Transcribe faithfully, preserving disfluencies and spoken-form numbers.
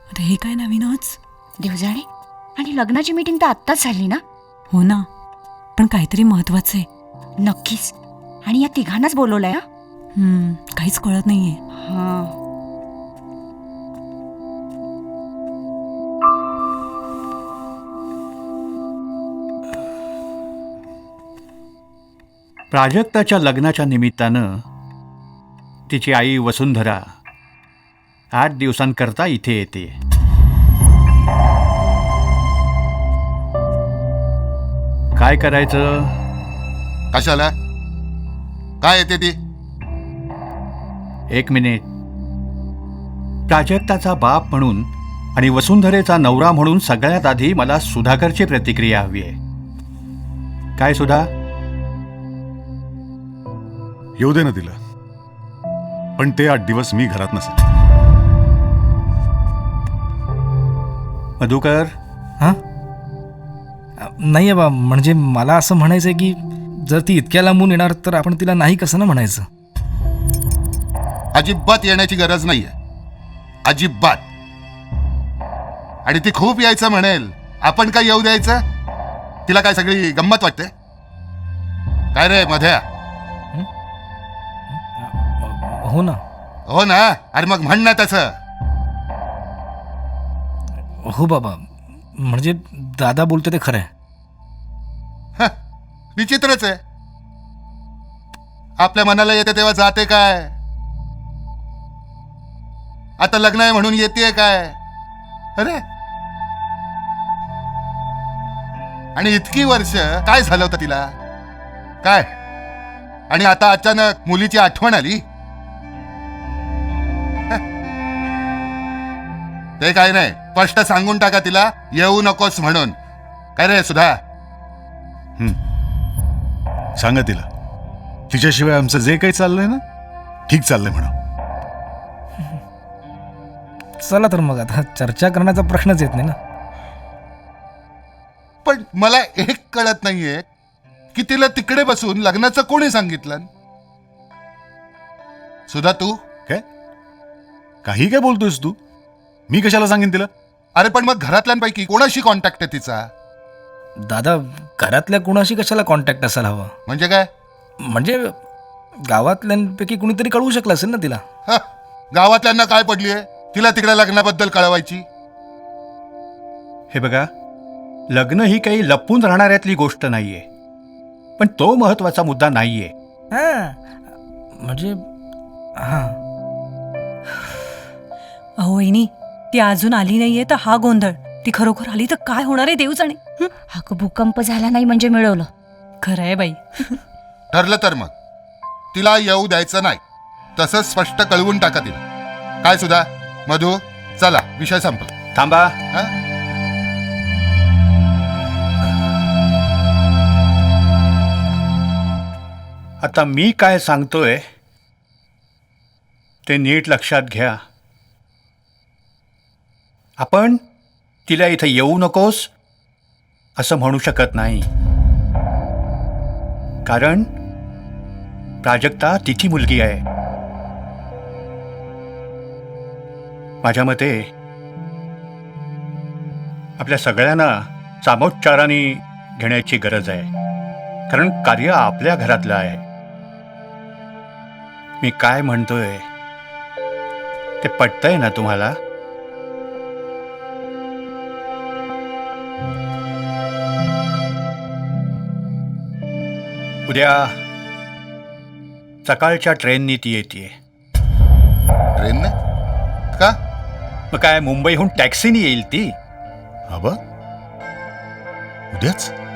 अरे हे काय नवीनच. देवजाणे, आणि लग्नाची मीटिंग तर आत्ताच झाली ना? हो ना, पण काहीतरी महत्वाचं आहे. नक्कीच. आणि या तिघांनाच बोलवलंय. हा हम्म, काहीच कळत नाहीये. हा. प्राजक्ताच्या लग्नाच्या निमित्तानं तिची आई वसुंधरा आठ दिवसांकरता इथे येते. काय करायचं? कशाला? काय येते ती? एक मिनिट. प्राजक्ताचा बाप म्हणून आणि वसुंधरेचा नवरा म्हणून सगळ्यात आधी मला सुधाकरची प्रतिक्रिया हवी आहे. काय सुधा? येऊ दे ना तिला, पण ते आठ दिवस मी घरात नसेल. मधुकर. हां नाही बा, म्हणजे मला असं म्हणायचं आहे की जर ती इतक्या लांबून येणार तर आपण तिला नाही कसं ना म्हणायचं. अजिबात येण्याची गरज नाहीये, अजिबात. आणि ती खूप यायचं म्हणेल, आपण काय येऊ द्यायचं? तिला काय सगळी गंमत वाटते काय रे मध्या? हो ना. हो ना. अरे मग म्हण ना तसं. हो बाबा, म्हणजे दादा बोलते ते खरं आहे. हं, विचित्रच आहे. आपल्या मनाला येते तेव्हा जाते काय? आता लग्न आहे म्हणून येते काय? अरे, आणि इतकी वर्ष काय झालं होतं तिला? काय? आणि आता अचानक मुलीची आठवण आली? ते काय नाही, स्पष्ट सांगून टाका तिला येऊ नकोस म्हणून. काय रे सुधा? सांगा तिला, तिच्याशिवाय आमचं जे काही चाललंय ना ठीक चाललंय म्हणा. चला तर मग, आता चर्चा करण्याचा प्रश्नच येत नाही ना. पण मला एक कळत नाहीये की तिला तिकडे बसून लग्नाचं कोणी सांगितलं? सुधा तू? काय काही काय बोलतोयस तू? मी कशाला सांगेन तिला? अरे पण मग घरातल्यांपैकी कोणाशी कॉन्टॅक्ट आहे तिचा? दादा, घरातल्या कुणाशी कशाला कॉन्टॅक्ट असायला हवा? म्हणजे काय? म्हणजे गावातल्यांपैकी कुणीतरी कळवू शकलं असेल ना तिला. ह, गावातल्यांना काय पडलीये तिला तिकडे लग्नाबद्दल कळवायची? हे बघा, लग्न ही काही लपून राहणाऱ्यातली गोष्ट नाहीये, पण तो महत्वाचा मुद्दा नाहीये. हां म्हणजे हां अहो वहिनी, ती अजून आली नाहीये तर हा गोंधळ. ती खरोखर आली तर काय होणार आहे देव जाणे. हा भूकंप झाला नाही म्हणजे मिळवलं. खरं आहे बाई. ठरलं तर मग तिला येऊ द्यायचं नाही, तसं स्पष्ट कळवून टाका तिला. काय सुधा? मधू, चला, विषय संपला. थांबा. हा? आता मी काय सांगतोय ते नीट लक्षात घ्या. आपण तिला इथं येऊ नकोस असं म्हणू शकत नाही, कारण प्राजक्ता तिची मुलगी आहे. माझ्या मते आपल्या सगळ्यांना सामोपचाराने घेण्याची गरज आहे, कारण कार्य आपल्या घरातलं आहे. मी काय म्हणतोय ते पटतंय ना तुम्हाला? उद्या सकाळच्या ट्रेननी ती येते. ट्रेनने? का? मग काय, मुंबईहून टॅक्सीनी येईल ती. आबा, उद्याच?